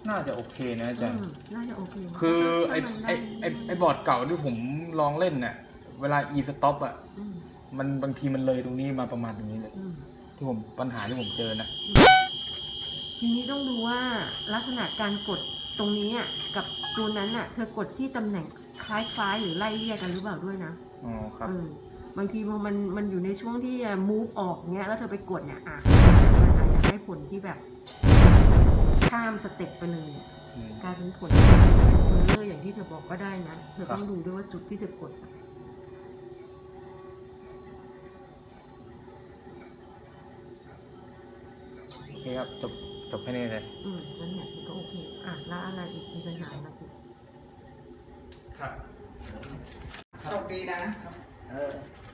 น่าจะโอเคนะอาจารย์น่าจะโอเคคือไอบอร์ดเก่าที่ผมลองเล่นเนี่ยเวลา e stop อ่ะมันบางทีมันเลยตรงนี้มาประมาณตรงนี้เลยที่ผมปัญหาที่ผมเจอนะทีนี้ต้องดูว่าลักษณะการกดตรงนี้กับตัวนั้นอ่ะเธอกดที่ตำแหน่งคล้ายๆหรือไล่เรียกกันหรือเปล่าด้วยนะอ๋อครับบางทีพอมันอยู่ในช่วงที่ move ออกเงี้ยแล้วเธอไปกดเนี่ยมันอาจจะให้ผลที่แบบข้ามสเต็ปไปเลยกลายเป็นผลเบอร์เลอร์อย่างที่เธอบอกก็ได้นะเธอต้องดูด้วยว่าจุดที่เธอกดโอเคครับจบแค่นี้เลยนั่นแหละก็โอเคแล้วอะไรอีกมีปัญหาอะไรอีกครับโชคดีนะ